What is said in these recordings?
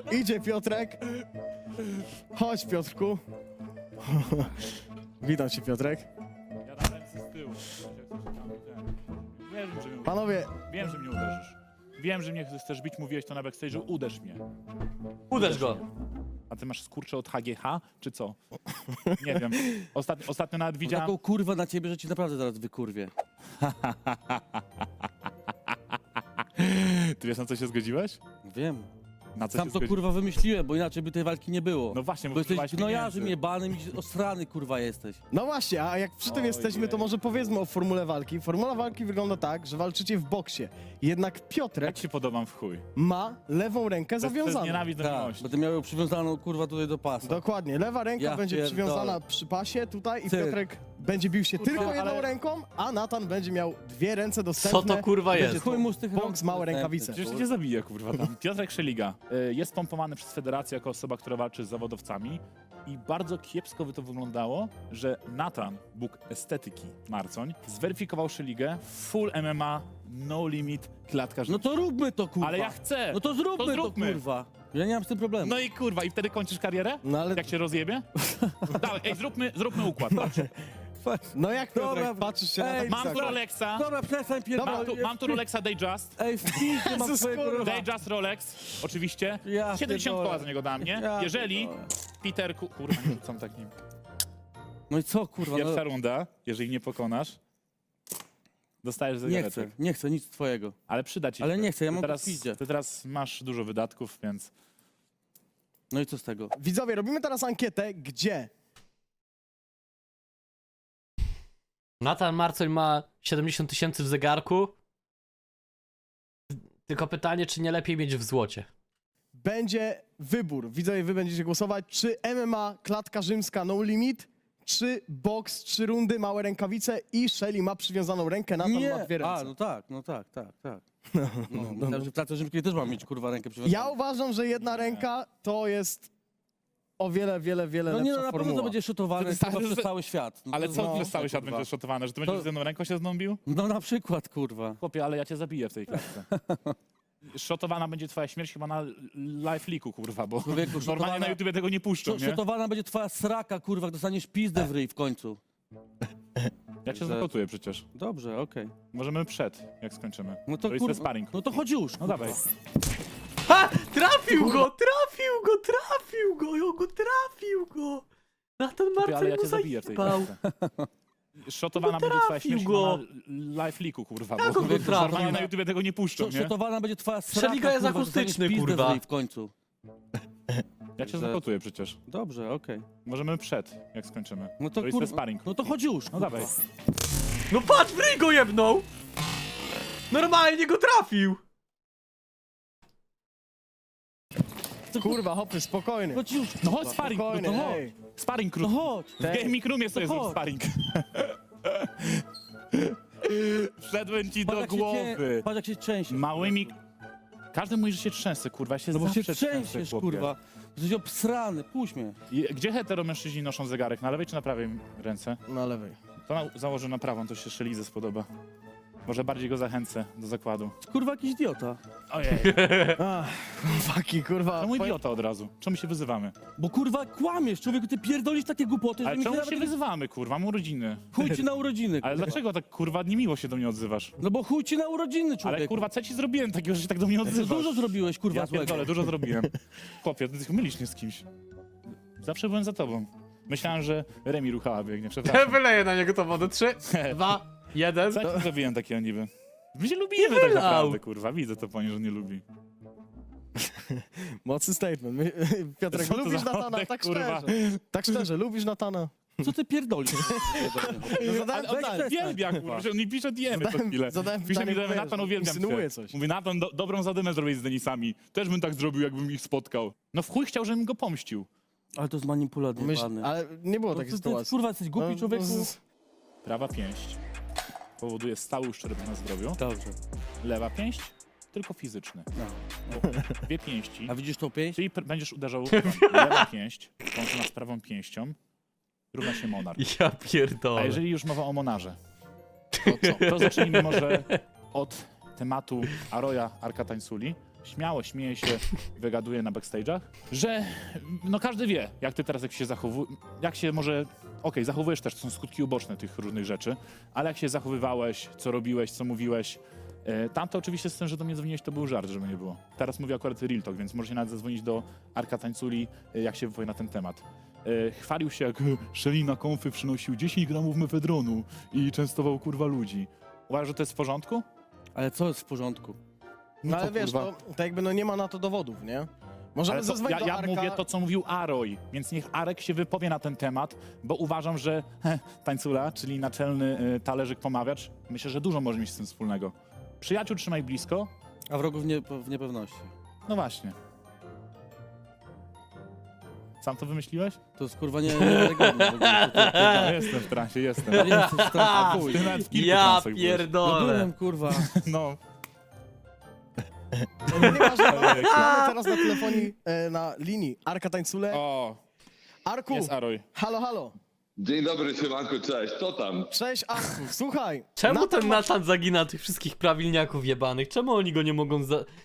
Idzie Piotrek. Chodź, Piotrku. Witam cię, Piotrek. Ja dam ręce z tyłu. Wiem, że mnie, Panowie, wiem, że mnie uderzysz. Wiem, że mnie chcesz bić, mówiłeś to na backstage'u, uderz mnie. Uderz go. A ty masz skurcze od HGH, czy co? Nie wiem. Ostatnio nawet Mam widziałem... taką kurwę na ciebie, że ci naprawdę zaraz wykurwię. Ty wiesz, na co się zgodziłeś? Wiem. Na co Sam się to zgodziłeś? kurwa wymyśliłem, bo inaczej by tej walki nie było. No właśnie, bo jesteś próbowałeś gnojarzem pieniędzy. jebanym i osrany kurwa jesteś. no właśnie, a jak przy tym jesteśmy, to Ojej. może powiedzmy o formule walki. Formula walki wygląda tak, że walczycie w boksie. Jednak Piotrek Jak ci podobam w chuj? ma lewą rękę To jest zawiązaną. nienawiść do Tak, miłości. będę miał ją przywiązaną kurwa tutaj do pasa. Dokładnie, lewa ręka Ja będzie pierdolę. przywiązana przy pasie tutaj i Ty. Piotrek będzie bił się Kurwa, tylko jedną ale- ręką, a Natan będzie miał dwie ręce dostępne. Co to kurwa Będzie jest? Chuj mu z tych boks, rąk małe dostępny, rękawice. Przecież cię zabije, kurwa, tam. Piotrek Szeliga jest pompowany przez federację jako osoba, która walczy z zawodowcami i bardzo kiepsko by to wyglądało, że Natan, Bóg estetyki Marcoń, zweryfikował Szeligę full MMA, no limit, klatka No życia. to róbmy to kurwa. Ale ja chcę! No to zróbmy to, zróbmy. kurwa. Ja nie mam z tym problemu. No i kurwa, i wtedy kończysz karierę? No ale, Jak się rozjebie? Dawaj, ej, zróbmy układ. Patrz. no jak Piotrek, Dobra, patrzysz się na ej, taki Mam tu zakład. Rolexa, Dobra, przestań pierdolić. mam tu Rolexa Dayjust. Ej, w pizdzie mam Jezus, twojego kurwa. Rolexa. Dayjust Rolex, oczywiście. Ja 70 pierdolę. koła za niego da mnie. Ja Jeżeli pierdolę. Peterku... Kurwa, nie rzucam takim. No i co kurwa? Pierwsza No, runda, jeżeli nie pokonasz, dostajesz nie zegareczek. chcę, nie chcę nic twojego. Ale przyda ci Ale się. nie chcę, ja Ty mam teraz, go w pizdzie. ty teraz masz dużo wydatków, więc... No i co z tego? Widzowie, robimy teraz ankietę, gdzie Natan Marcoń ma 70 000 w zegarku. Tylko pytanie, czy nie lepiej mieć w złocie? będzie wybór. Widzowie, wy będziecie głosować, czy MMA, klatka rzymska, no limit, czy boks, 3 rundy, małe rękawice i Shelly ma przywiązaną rękę, Natan ma dwie ręce. A, no tak. No, myślałem, że w klatce rzymskiej też mam mieć kurwa rękę przywiązaną. Ja uważam, że jedna ręka to jest o wiele, wiele, wiele No nie, no lepsza na pewno formuła. to będzie szotowane To kurwa, że- przez cały świat. No Ale to- co no, przez cały świat kurwa. będzie szotowane? Że ty będziesz To- z jedną ręką się znąbił? No na przykład, kurwa. Chłopie, ale ja cię zabiję w tej klatce. Szotowana będzie twoja śmierć chyba na live leaku, kurwa, bo Człowieku, normalnie szotowana- na YouTubie tego nie puszczą, nie? Szotowana będzie twoja sraka, kurwa, jak dostaniesz pizdę w ryj w końcu. Ja cię Że- zakotuję przecież. Dobrze, okej. Możemy przed, jak skończymy. No To jest kurwa, sparring. no to chodź już. No dawaj. Ha! Trafił go! Trafił go! Natan Chłopie, ale Marcoń ja mu cię zabiję w tej zajebał. klatce. Szotowana będzie twoja trafił śmierć go. chyba na live leaku, kurwa, Jak bo on go trafił? normalnie na YouTubie tego nie puszczą, nie? Szotowana będzie twoja sraka, Szeliga jest kurwa, dostaniesz akustyczny, pizdę kurwa. w ryj w końcu. Ja cię Że- zakotuję przecież. Dobrze, okej. Możemy przed, jak skończymy. No to jest kurwa, sparring. no to chodź już. No kurwa. dawaj. No patrz, w ryj go jebnął! Normalnie go trafił! Kurwa, hopy, spokojny. Chodź już. No chodź sparring, Spokojny, no to ej. sparring No krótki. chodź. W gaming roomie sobie No zrób chodź. sparring. Wszedłem ci do Patrz, jak się głowy. Patrz jak się trzęsie. Małymi... Każdy mówi, że się trzęsę, kurwa, ja się No bo się zawsze trzęsiesz, chłopie. kurwa. Jesteś obsrany, puść mnie. Gdzie heteromężczyźni noszą zegarek? Na lewej czy na prawej ręce? Na lewej. To założę na prawą, to się Szelidze spodoba. Może bardziej go zachęcę do zakładu. Kurwa jakiś idiota. Ojej, Ach, chłopaki, kurwa. czemu idiota od razu? Czemu się wyzywamy? Bo kurwa kłamiesz, człowieku, ty pierdolisz takie głupoty, że Ale mi czemu nawet się nie... wyzywamy, kurwa? Mam urodziny. Chuj ci na urodziny, Ale kurwa. dlaczego tak, kurwa, niemiło się do mnie odzywasz? No bo chuj ci na urodziny, człowieku. Ale, kurwa, co ci zrobiłem takiego, że się tak do mnie Ty odzywasz? dużo zrobiłeś, kurwa, Ja złego. pierdolę, dużo zrobiłem. Chłopie, ty mylisz mnie z kimś. Zawsze byłem za tobą. Myślałem, że Remi Ruchała biegnie, przepraszam. Wyleję na niego to wodę. 3, 2, 1. Co ja ci zrobiłem takiego niby? My się lubimy tak wylał. naprawdę, kurwa. Widzę to po niej, że nie lubi. Mocny statement. Piotrek, Co to lubisz za Natana, oddech, tak kurwa? szczerze. Tak szczerze, lubisz Natana. Co ty pierdolisz? No zadałem Ale on pytanie. uwielbia, kurwa, że on mi pisze diemy co Zadałem- chwilę. zadałem Pisze pytanie, mi, że bo Natan wiesz, uwielbiam insynuuje cię. coś. Mówi, Natan, dobrą zadymę zrobić z Denisami. Też bym tak zrobił, jakbym ich spotkał. No w chuj chciał, żebym go pomścił. Ale to jest manipulat jebany. Ale nie było takiej ty, sytuacji. kurwa, jesteś głupi, No, człowieku. Prawa pięść powoduje stały uszczerbek na zdrowiu. Dobrze. Lewa pięść tylko fizyczny. No. Dwie pięści. A widzisz tą pięść? Czyli będziesz uderzał lewa pięść, łączona z prawą pięścią, równa się monarch. Ja A pierdolę. jeżeli już mowa o monarze, to zacznijmy może od tematu Aroya Arkatańsuli, śmiało śmieje się i wygaduje na backstage'ach, że no każdy wie, jak ty teraz jak się zachowujesz, jak się może, okej, zachowujesz też, to są skutki uboczne tych różnych rzeczy, ale jak się zachowywałeś, co robiłeś, co mówiłeś, tam to oczywiście z tym, że do mnie dzwoniłeś, to był żart, żeby nie było. Teraz mówię akurat real talk, więc możecie nawet zadzwonić do Arka Tańculi, jak się wypowie na ten temat. Chwalił się, jak Shelly na konfy przynosił 10 gramów mefedronu i częstował kurwa ludzi. Uważasz, że to jest w porządku? Ale co jest w porządku? No ale co, wiesz, kurwa? to jakby no nie ma na to dowodów, nie? Możemy Ale to, zadzwonić do ja Arka. mówię to, co mówił Aroj, więc niech Arek się wypowie na ten temat, bo uważam, że Tańcula, czyli naczelny talerzyk pomawiacz, myślę, że dużo może mieć z tym wspólnego. Przyjaciół trzymaj blisko. A wrogów w niepewności. No właśnie. Sam to wymyśliłeś? To jest kurwa niewiarygodne w ogóle. No, jestem w transie, jestem. Ja nie jestem w stanie, chuj. Ty nawet w kilku Ja transach byłeś. No pierdolę. byłem, kurwa. No. Nieważne, mamy teraz na telefonie, na linii Arka Tańcule. O, Arku, jest Aroj. halo, halo. Dzień dobry, siemanko, cześć, co tam? Cześć Arku, słuchaj. Czemu Natan ten ma Natan zagina tych wszystkich prawilniaków jebanych? Czemu oni go nie mogą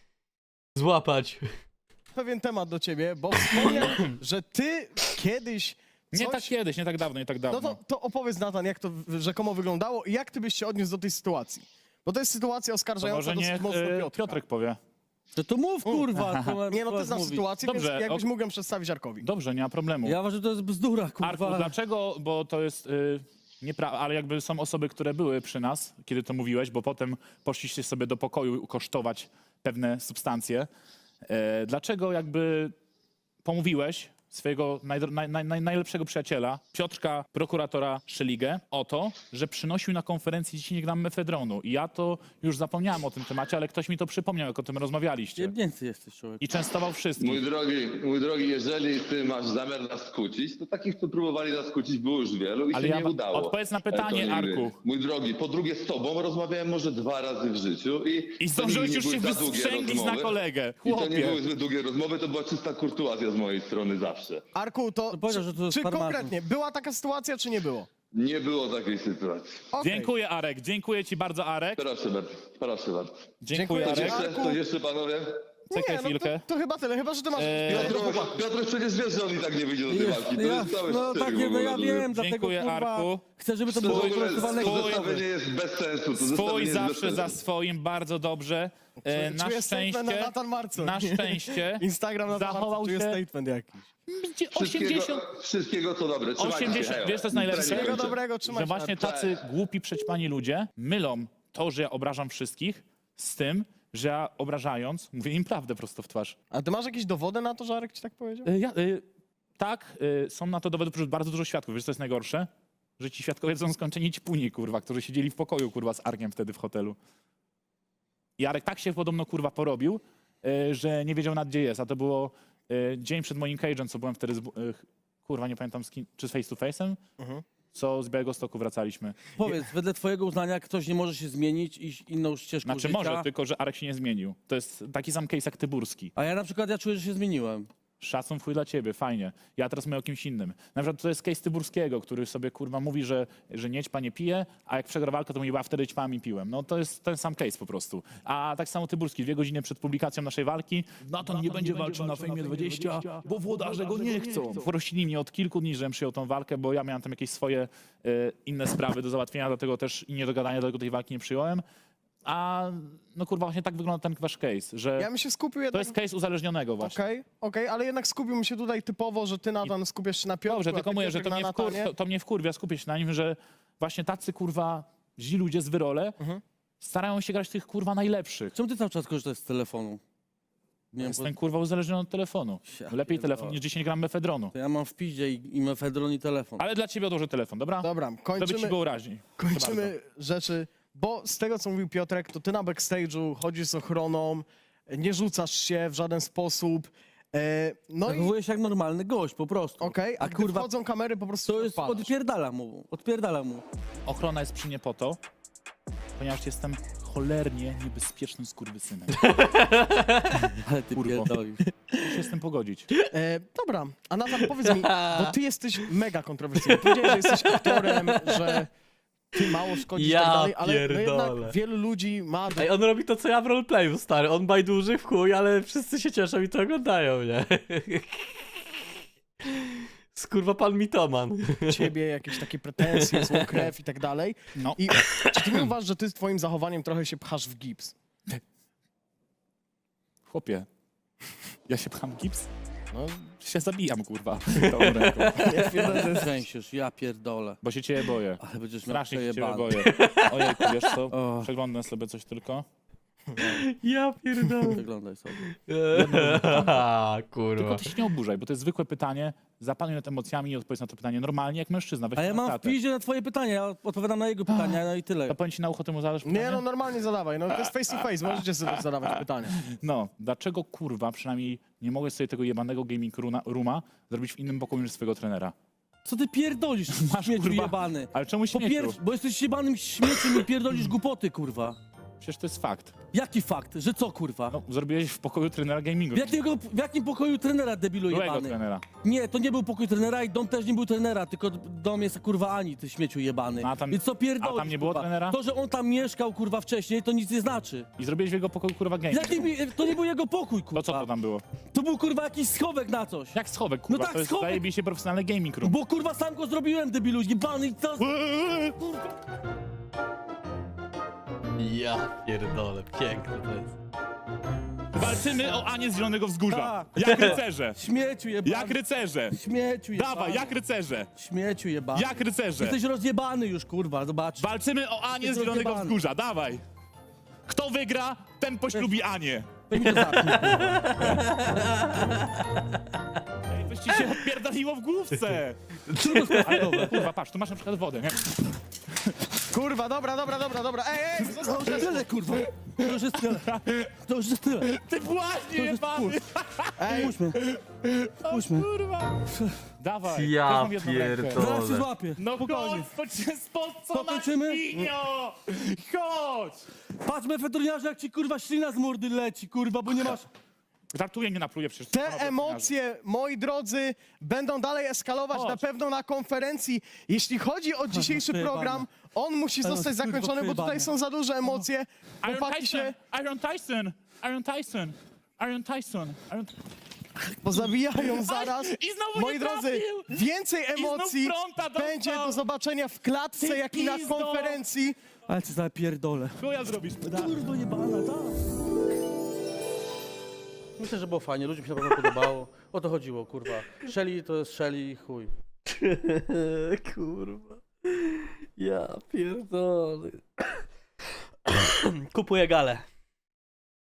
złapać? pewien temat do ciebie, bo wspomniał, że ty kiedyś Nie coś... tak kiedyś, nie tak dawno, nie tak dawno. No to opowiedz Natan, jak to rzekomo wyglądało i jak ty byś się odniósł do tej sytuacji. Bo to jest sytuacja To oskarżająca może dosyć niech mocno Piotrka. Piotrek powie. To mów, kurwa. Nie no, ty znasz mówić. sytuację, Dobrze, więc jakbyś mógł ją przedstawić Arkowi. Dobrze, nie ma problemu. Ja uważam, że to jest bzdura, kurwa. Arku, dlaczego? Bo to jest nieprawda, ale jakby są osoby, które były przy nas, kiedy to mówiłeś, bo potem poszliście sobie do pokoju kosztować pewne substancje. Dlaczego jakby pomówiłeś swojego najlepszego przyjaciela, Piotrka, prokuratora Szeligę, o to, że przynosił na konferencji 10 gram mefedronu. I ja to już zapomniałem o tym temacie, ale ktoś mi to przypomniał, jak o tym rozmawialiście. Jebnięcy jesteś, człowiek. I częstował wszystkich. Mój drogi, jeżeli ty masz zamiar nas skłócić, to takich, co próbowali nas skłócić, było już wielu i Ale się ja nie udało. odpowiedz na To pytanie, nigdy. Arku. Mój drogi, po drugie z tobą rozmawiałem może 2 razy w życiu I to zdążyłeś nigdy już nie się były za długie wystrzęglić na rozmowy. kolegę. I to nie Chłopie. były zbyt długie rozmowy, to była czysta kurtuazja z mojej strony zawsze. Arku, to powiedział, że to jest czy farmazon. konkretnie była taka sytuacja, czy nie było? Nie było takiej sytuacji. Okej. Dziękuję, Arek. Dziękuję ci bardzo, Arek. Proszę bardzo, proszę bardzo. Dziękuję, Dziękuję Arek. ci. Coś jeszcze, panowie? Czekaj Nie, no chwilkę. to chyba tyle, chyba że ty masz... Piotr przecież wiesz, że on i tak nie wyjdzie do tej walki. To jest całe no szczęście tak, w no ogóle, ja żeby- wiem, dlatego Dziękuję, kurwa, Arku. chcę, żeby to To było w ogóle wypracowane zestawienie jest bez sensu. To Swój zestawienie jest bez zawsze za sensu. swoim, bardzo dobrze. Na Czuję statement na szczęście, Natan Marcon. na szczęście Instagram na zachował czuję się statement jakiś. 80... Wszystkiego co dobre. Trzymajcie się, 80, hejo. wiesz co jest najlepsze? Trening Wszystkiego kończę. dobrego, trzymaj Że się. właśnie tacy głupi, przećpani ludzie mylą to, że ja obrażam wszystkich z tym, że ja obrażając mówię im prawdę prosto w twarz. A ty masz jakieś dowody na to, że Arek ci tak powiedział? Tak, są na to dowody, bardzo dużo świadków. Wiesz co jest najgorsze? Że ci świadkowie są skończeni ćpuni, kurwa, którzy siedzieli w pokoju, kurwa, z Arkiem wtedy w hotelu. I Arek tak się podobno, kurwa, porobił, że nie wiedział nad gdzie jest. A to było dzień przed moim cage'em, co byłem wtedy z... kurwa, nie pamiętam z kim, czy z face to face'em? Co z Białegostoku wracaliśmy. Powiedz, wedle twojego uznania ktoś nie może się zmienić i iść inną ścieżką Znaczy życia. może, tylko że Arek się nie zmienił. To jest taki sam case jak Tyburski. A ja na przykład, ja czuję, że się zmieniłem. Szacun w chuj dla ciebie, fajnie. Ja teraz mówię o kimś innym. Na przykład to jest case Tyburskiego, który sobie kurwa mówi, że niećpa nie pije, a jak przegra walkę, to mówi, a wtedy ćpami i piłem. No to jest ten sam case po prostu. A tak samo Tyburski, 2 godziny przed publikacją naszej walki, Natan nie będzie walczył na Fejmie 20, bo włodarze go nie chcą. Prosili mnie od kilku dni, żebym przyjął tą walkę, bo ja miałem tam jakieś swoje inne sprawy do załatwienia, dlatego też i nie do gadania, dlatego tej walki nie przyjąłem. A no kurwa, właśnie tak wygląda ten wasz case, że Ja bym się skupił to jednak... jest case uzależnionego właśnie. Okej, ale jednak skupiłbym się tutaj typowo, że ty Natan skupiasz się na Piotrku, Dobrze, a tylko ty mówię, że Piotrek to na mnie, Natanie. to mnie wkurwia, skupię się na nim, że właśnie tacy kurwa źli ludzie z wyrole starają się grać tych kurwa najlepszych. Czemu ty cały czas korzystasz z telefonu? Nie wiem, Jestem kurwa uzależniony od telefonu. Ja Lepiej pierdolę. telefon niż 10 gram mefedronu. to ja mam w piździe i mefedron i telefon. Ale dla ciebie odłożę telefon, dobra? Dobra, To by ci kończymy, było raźniej. Proszę bardzo. kończymy rzeczy, bo z tego, co mówił Piotrek, to ty na backstage'u chodzisz z ochroną, nie rzucasz się w żaden sposób, no i Zachowuję się jak normalny gość, po prostu. okej, a A gdy kurwa, wchodzą kamery, po prostu to jest, odpalasz. odpierdala mu. Ochrona jest przy mnie po to, ponieważ jestem cholernie niebezpiecznym skurwysynem. Ale ty Kurwo. pierdolisz. Muszę się z tym pogodzić. Dobra, a Natan, powiedz mi, bo ty jesteś mega kontrowersyjny. Powiedziałeś, że jesteś aktorem, że ty mało szkodzisz i Ja tak dalej, ale no pierdolę. jednak wielu ludzi ma... Ej, on robi to, co ja w roleplayu, stary. On bajduży w chuj, ale wszyscy się cieszą i to oglądają, nie? Skurwa pan mitoman. ciebie jakieś takie pretensje, złą krew i tak dalej. No. I czy ty nie uważasz, że ty z twoim zachowaniem trochę się pchasz w gips? Chłopie, ja się pcham gips? No, Się zabijam, kurwa. Tą ręką. ja pierdolę, to jest... Trzęsiesz, ja pierdolę. Bo się ciebie boję. Ale będziesz miał Strasznie się ciebie przejebane. boję. Ojejku, wiesz co? O. Przeglądam sobie coś tylko. Ja pierdolę. Wyglądaj sobie. Kurwa. Tylko ty się nie oburzaj, bo to jest zwykłe pytanie. Zapanuj nad emocjami i odpowiedz na to pytanie normalnie, jak mężczyzna. Weź A ja to na mam w klatę. piździe na twoje pytania, ja odpowiadam na jego pytania, no i tyle. To powiem ci na ucho, ty mu zadasz pytanie? Nie no, normalnie zadawaj, no to jest face to face, możecie sobie zadawać pytania. No, dlaczego kurwa przynajmniej nie mogłeś sobie tego jebanego gaming rooma zrobić w innym pokoju niż swojego trenera? Co ty pierdolisz, Masz, śmieciu kurwa, jebany? Ale czemu Po śmieciu? pierwsze, bo jesteś jebanym śmieciem i pierdolisz głupoty, kurwa. Przecież to jest fakt. Jaki fakt? Że co, kurwa? No, zrobiłeś w pokoju trenera gamingu. W jakim pokoju trenera, debilu Byłego jebany? trenera. Nie, to nie był pokój trenera i dom też nie był trenera, tylko dom jest kurwa Ani, ty śmieciu jebany. No, a tam- Więc co pierdolisz, a tam nie było kurwa? trenera? To, że on tam mieszkał, kurwa, wcześniej, to nic nie znaczy. I zrobiłeś w jego pokoju kurwa gaming. To nie był jego pokój, kurwa. To co to tam było? To był, kurwa, jakiś schowek na coś. Jak schowek, kurwa? No tak, to jest schowek. zajebiście profesjonalny gaming room. Bo, kurwa, sam go zrobiłem, debilu, jebany i co? Ja pierdolę. Piękne to jest. Walczymy o Anię z Zielonego Wzgórza. Tak. Jak rycerze. Śmieciu jebany. Jak rycerze. Śmieciu jebany. Dawaj, jak rycerze. Śmieciu jebany. Jak rycerze. Jesteś rozjebany już, kurwa, zobacz. Walczymy o Anię z Jesteś Zielonego rozjebany. Wzgórza. Dawaj. Kto wygra, ten poślubi Anię. Weź mi to zamknij. Ej, coś ci się odpierdoliło w główce. Ale kurwa, patrz, tu masz na przykład wodę, nie? Kurwa, dobra. Ej, został Tyle, kurwa. To już jest tyle. To już jest tyle. Ty właśnie To jest jebany. Ej, Puśćmy. Puśćmy. Kurwa. Dawaj. Ja też mam jedną rękę. pierdolę. Zaraz się złapię. No Spokojnie. chodź, spod co na Pokończymy? świnio. Chodź. Patrz, mefetroniarze, jak ci, kurwa, ślina z mordy leci, kurwa, bo nie masz... Żartuję, nie napluję przecież. te emocje, moi drodzy, będą dalej eskalować Chodź. na pewno na konferencji. Jeśli chodzi o dzisiejszy przejebane. program, on musi Ale zostać kurwa, zakończony, bo tutaj przejebane. są za duże emocje. Chłopaki się Iron Tyson. pozabijają zaraz. I znowu Moi nie drodzy, trafił. więcej emocji fronta dostał. będzie do zobaczenia w klatce, Ty jak i na pizdo. konferencji. Ale cię zapierdolę. Chuja zrobisz. Kurwa jebana, tak. Myślę, że było fajnie, ludziom się na pewno podobało. O to chodziło, kurwa. Shelly to jest Shelly, chuj. Kurwa. Ja pierdolę. Kupuję galę.